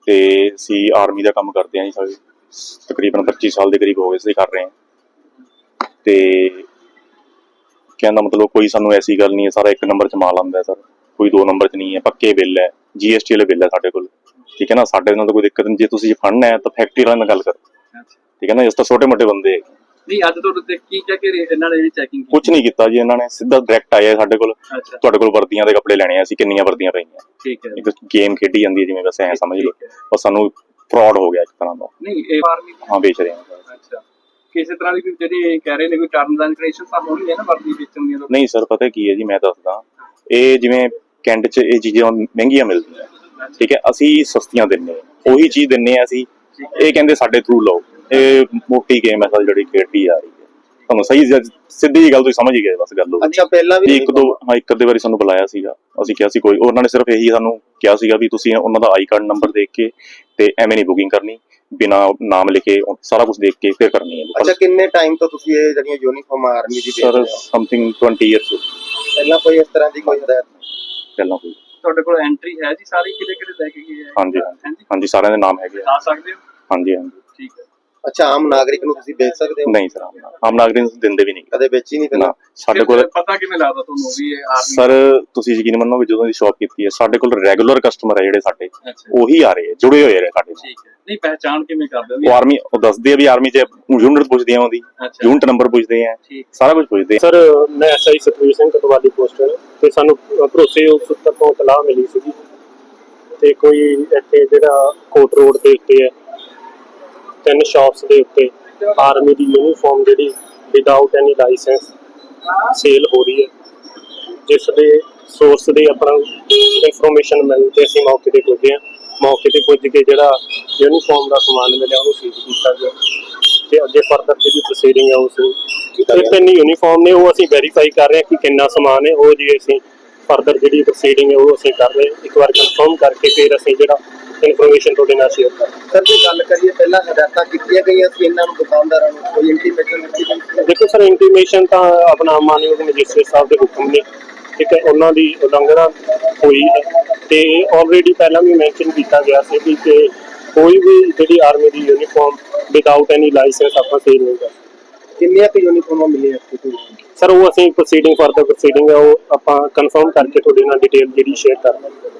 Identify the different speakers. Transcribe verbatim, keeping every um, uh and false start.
Speaker 1: ਤੇ ਅਸੀਂ ਆਰਮੀ ਦਾ ਕੰਮ ਕਰਦੇ ਹਾਂ ਜੀ। ਸਾਰੇ ਤਕਰੀਬਨ ਪੱਚੀ ਸਾਲ ਦੇ ਕਰੀਬ ਹੋ ਗਏ ਅਸੀਂ ਕਰ ਰਹੇ ਹਾਂ। ਤੇ ਕਹਿਣ ਦਾ ਮਤਲਬ ਕੋਈ ਸਾਨੂੰ ਐਸੀ ਗੱਲ ਨਹੀਂ ਹੈ, ਸਾਰਾ ਇੱਕ ਨੰਬਰ 'ਚ ਮਾਲ ਆਉਂਦਾ ਸਰ, ਕੋਈ ਦੋ ਨੰਬਰ 'ਚ ਨਹੀਂ ਹੈ। ਪੱਕੇ ਬਿੱਲ ਹੈ, ਜੀ ਐਸ ਟੀ ਵਾਲੇ ਬਿੱਲ ਹੈ ਸਾਡੇ ਕੋਲ, ਠੀਕ ਹੈ ਨਾ। ਸਾਡੇ ਨਾਲ ਤਾਂ ਕੋਈ ਦਿੱਕਤ ਨਹੀਂ। ਜੇ ਤੁਸੀਂ ਫੜਨਾ ਹੈ ਤਾਂ ਫੈਕਟਰੀ ਵਾਲਿਆਂ ਨਾਲ ਗੱਲ ਕਰੋ, ਠੀਕ ਹੈ ਨਾ। ਇਸ ਤਾਂ ਛੋਟੇ ਮੋਟੇ ਬੰਦੇ
Speaker 2: ਨਹੀਂ। ਅੱਜ ਤੁਹਾਡੇ ਕੀ ਕਹਿ ਕੇ ਇਹਨਾਂ ਨੇ ਚੈਕਿੰਗ
Speaker 1: ਕੁਛ ਨਹੀਂ ਕੀਤਾ ਜੀ। ਇਹਨਾਂ ਨੇ ਸਿੱਧਾ ਡਾਇਰੈਕਟ ਆਇਆ ਸਾਡੇ ਕੋਲ, ਤੁਹਾਡੇ ਕੋਲ ਵਰਦੀਆਂ ਦੇ ਕੱਪੜੇ ਲੈਣੇ ਆ, ਅਸੀਂ ਕਿੰਨੀਆਂ ਵਰਦੀਆਂ ਪਈਆਂ,
Speaker 2: ਠੀਕ ਹੈ।
Speaker 1: ਇੱਕ ਗੇਮ ਖੇਡੀ ਜਾਂਦੀ ਹੈ ਜਿਵੇਂ, ਵੈਸੇ ਐਂ ਸਮਝ ਲਓ। ਪਰ ਸਾਨੂੰ ਫਰਾਡ ਹੋ ਗਿਆ ਇੱਕ ਤਰ੍ਹਾਂ ਦਾ।
Speaker 2: ਨਹੀਂ ਇਹ ਆਰਮੀ
Speaker 1: ਹਾਂ ਵੇਚ ਰਹੇ ਹਾਂ।
Speaker 2: ਅੱਛਾ, ਕਿਸੇ ਤਰ੍ਹਾਂ ਦੀ ਕੋਈ ਜਿਹੜੇ ਕਹਿ ਰਹੇ ਨੇ ਕੋਈ ਟਰਮਸ ਐਂਡ ਕੰਡੀਸ਼ਨਸ ਤਾਂ ਹੋਣੀ ਹੈ ਨਾ ਵਰਦੀ ਵੇਚਣ ਦੀਆਂ?
Speaker 1: ਨਹੀਂ ਸਰ, ਪਤਾ ਕੀ ਹੈ ਜੀ, ਮੈਂ ਦੱਸਦਾ। ਇਹ ਜਿਵੇਂ ਕੈਂਟ 'ਚ ਇਹ ਚੀਜ਼ਾਂ ਮਹਿੰਗੀਆਂ ਮਿਲਦੀਆਂ, ਠੀਕ ਹੈ, ਅਸੀਂ ਸਸਤੀਆਂ ਦਿੰਦੇ ਹਾਂ, ਉਹੀ ਚੀਜ਼ ਦਿੰਦੇ ਹਾਂ ਅਸੀਂ। ਇਹ ਕਹਿੰਦੇ ਸਾਡੇ ਥਰੂ ਲਓ। ਇਹ ਮੋਟੀ ਗੇਮ ਹੈ ਸਰ ਜਿਹੜੀ ਖੇਡੀ ਆ ਰਹੀ ਹੈ। ਤੁਹਾਨੂੰ ਸਹੀ ਸਿੱਧੀ ਜਿਹੀ ਗੱਲ ਤੁਸੀਂ ਸਮਝ ਹੀ ਗਏ ਬਸ ਗੱਲ।
Speaker 3: ਅੱਛਾ, ਪਹਿਲਾਂ ਵੀ
Speaker 1: ਇੱਕ ਦੋ ਹਾਂ ਇੱਕ ਅੱਧੇ ਵਾਰੀ ਸਾਨੂੰ ਬੁਲਾਇਆ ਸੀਗਾ, ਅਸੀਂ ਕਿਹਾ ਸੀ ਕੋਈ, ਉਹਨਾਂ ਨੇ ਸਿਰਫ ਇਹੀ ਸਾਨੂੰ ਕਿਹਾ ਸੀਗਾ ਵੀ ਤੁਸੀਂ ਉਹਨਾਂ ਦਾ ਆਈ ਕਾਰਡ ਨੰਬਰ ਦੇਖ ਕੇ ਤੇ ਐਵੇਂ ਨਹੀਂ ਬੁਕਿੰਗ ਕਰਨੀ, ਬਿਨਾਂ ਨਾਮ ਲਿਖੇ ਸਾਰਾ ਕੁਝ ਦੇਖ ਕੇ ਫਿਰ ਕਰਨੀ ਹੈ।
Speaker 3: ਅੱਛਾ, ਕਿੰਨੇ ਟਾਈਮ ਤੋਂ ਤੁਸੀਂ ਇਹ ਜਿਹੜੀਆਂ ਯੂਨੀਫਾਰਮ ਆਰਮੀ ਦੀ
Speaker 1: ਸਰ ਸਮਥਿੰਗ ਟਵੰਟੀ ਈਅਰਸ।
Speaker 3: ਪਹਿਲਾਂ ਕੋਈ ਇਸ ਤਰ੍ਹਾਂ ਦੀ ਕੋਈ ਹਦਾਇਤ
Speaker 1: ਪਹਿਲਾਂ ਕੋਈ?
Speaker 2: ਤੁਹਾਡੇ ਕੋਲ ਐਂਟਰੀ ਹੈ ਜੀ ਸਾਰੀ ਕਿਹੜੇ ਕਿਹੜੇ ਲੈ ਕੇ ਗਏ ਹੈ?
Speaker 1: ਹਾਂਜੀ ਹਾਂਜੀ, ਸਾਰਿਆਂ ਦੇ ਨਾਮ ਹੈਗੇ
Speaker 2: ਆ ਸਕਦੇ ਹੋ?
Speaker 1: ਹਾਂਜੀ ਹਾਂਜੀ,
Speaker 2: ਠੀਕ ਹੈ।
Speaker 3: ਅੱਛਾ, ਆਮ ਨਾਗਰਿਕ ਨੂੰ ਤੁਸੀਂ ਵੇਚ ਸਕਦੇ ਹੋ?
Speaker 1: ਨਹੀਂ ਸਰ, ਆਮ ਨਾਗਰਿਕ ਨੂੰ ਦਿੰਦੇ ਵੀ ਨਹੀਂ,
Speaker 3: ਕਦੇ ਵੇਚੀ ਨਹੀਂ ਪਹਿਲਾਂ?
Speaker 1: ਸਾਡੇ ਕੋਲ
Speaker 2: ਪਤਾ ਕਿਵੇਂ ਲੱਗਦਾ ਤੁਹਾਨੂੰ ਵੀ ਇਹ ਆਰਮੀ?
Speaker 1: ਸਰ ਤੁਸੀਂ ਯਕੀਨ ਮੰਨੋਗੇ, ਜਦੋਂ ਦੀ ਸ਼ਾਪ ਕੀਤੀ ਹੈ ਸਾਡੇ ਕੋਲ ਰੈਗੂਲਰ ਕਸਟਮਰ ਹੈ ਜਿਹੜੇ ਸਾਡੇ, ਉਹੀ ਆ ਰਹੇ, ਜੁੜੇ ਹੋਏ ਨੇ ਸਾਡੇ।
Speaker 2: ਠੀਕ ਹੈ। ਨਹੀਂ ਪਹਿਚਾਣ ਕਿਵੇਂ ਕਰਦੇ ਹੋ?
Speaker 1: ਉਹ ਆਰਮੀ ਉਹ ਦੱਸਦੇ ਆ ਵੀ ਆਰਮੀ 'ਚ ਯੂਨਿਟ ਪੁੱਛਦੇ ਆ, ਉਹਦੀ ਯੂਨਿਟ ਨੰਬਰ ਪੁੱਛਦੇ ਆ, ਸਾਰਾ ਕੁਝ ਪੁੱਛਦੇ ਆ।
Speaker 4: ਸਰ ਮੈਂ ਐਸ ਆਈ ਸਤਵੀਰ ਸਿੰਘ ਕਤਵਾਲੀ ਪੋਸਟਰ, ਤੇ ਸਾਨੂੰ ਭਰੋਸੇ ਉਸ ਸੂਤਰ ਤੋਂ ਇਤਲਾਹ ਮਿਲੀ ਸੀਗੀ ਤੇ ਕੋਈ ਇੱਥੇ ਜਿਹੜਾ ਕੋਟ ਰੋਡ ਦੇ ਉੱਤੇ ਹੈ ਤਿੰਨ ਸ਼ਾਪਸ ਦੇ ਉੱਤੇ ਆਰਮੀ ਦੀ ਯੂਨੀਫਾਰਮ ਜਿਹੜੀ ਵਿਦਆਊਟ ਐਨੀ ਲਾਇਸੈਂਸ ਸੇਲ ਹੋ ਰਹੀ ਹੈ, ਜਿਸ ਦੇ ਸੋਰਸ ਦੇ ਆਪਣਾ ਇਨਫੋਰਮੇਸ਼ਨ ਮਿਲ ਕੇ ਅਸੀਂ ਮੌਕੇ ਤੇ ਪੁੱਜੇ ਹਾਂ। ਮੌਕੇ ਤੇ ਪੁੱਜ ਕੇ ਜਿਹੜਾ ਯੂਨੀਫਾਰਮ ਦਾ ਸਮਾਨ ਮਿਲਿਆ ਉਹਨੂੰ ਸੀਜ਼ ਕੀਤਾ ਗਿਆ ਤੇ ਅੱਗੇ ਫਰਦਰ ਜਿਹੜੀ ਪ੍ਰੋਸੀਡਿੰਗ ਹੈ ਉਸ ਨੂੰ ਇਹ ਤਿੰਨ ਯੂਨੀਫਾਰਮ ਨੇ ਉਹ ਅਸੀਂ ਵੈਰੀਫਾਈ ਕਰ ਰਹੇ ਹਾਂ ਕਿ ਕਿੰਨਾ ਸਮਾਨ ਹੈ। ਉਹ ਜੀ ਅਸੀਂ ਫਰਦਰ ਜਿਹੜੀ ਪ੍ਰੋਸੀਡਿੰਗ ਹੈ ਉਹ ਅਸੀਂ ਕਰ ਰਹੇ ਹਾਂ। ਇੱਕ ਵਾਰ ਕਨਫਰਮ ਕਰਕੇ ਫਿਰ ਅਸੀਂ ਜਿਹੜਾ ਇਨਫੋਰਮੇਸ਼ਨ ਤੁਹਾਡੇ ਨਾਲ ਸ਼ੇਅਰ ਕਰ
Speaker 3: ਸਰ ਜੇ ਗੱਲ ਕਰੀਏ ਪਹਿਲਾਂ ਹਦਾਇਤਾਂ ਕੀਤੀਆਂ ਗਈਆਂ ਸੀ ਇਹਨਾਂ ਨੂੰ ਦੁਕਾਨਦਾਰਾਂ ਨੂੰ, ਕੋਈ ਇੰਟੀਮੇਸ਼ਨ ਦਿੱਤੀ ਗਈ?
Speaker 4: ਦੇਖੋ ਸਰ, ਇੰਟੀਮੇਸ਼ਨ ਤਾਂ ਆਪਣਾ ਮਾਨਯੋਗ ਮੈਜਿਸਟਰੇਟ ਸਾਹਿਬ ਦੇ ਹੁਕਮ ਨੇ, ਠੀਕ ਹੈ, ਉਹਨਾਂ ਦੀ ਉਲੰਘਣਾ ਹੋਈ ਹੈ ਤੇ ਆਲਰੇਡੀ ਪਹਿਲਾਂ ਵੀ ਮੈਂਸ਼ਨ ਕੀਤਾ ਗਿਆ ਸੀ ਕਿ ਕੋਈ ਵੀ ਜਿਹੜੀ ਆਰਮੀ ਦੀ ਯੂਨੀਫਾਰਮ ਵਿਦਆਊਟ ਐਨੀ ਲਾਇਸੈਂਸ ਆਪਾਂ ਸੇਲ ਨਹੀਂ ਕਰ ਸਕਦੇ।
Speaker 3: ਕਿੰਨੀਆਂ ਕੁ ਯੂਨੀਫਾਰਮਾਂ ਮਿਲੀਆਂ
Speaker 4: ਸਰ? ਉਹ ਅਸੀਂ ਪ੍ਰੋਸੀਡਿੰਗ ਫਰਦਰ ਪ੍ਰੋਸੀਡਿੰਗ ਹੈ ਉਹ ਆਪਾਂ ਕਨਫਰਮ ਕਰਕੇ ਤੁਹਾਡੇ ਨਾਲ ਡਿਟੇਲ ਜਿਹੜੀ ਸ਼ੇਅਰ ਕਰਾਂਗੇ।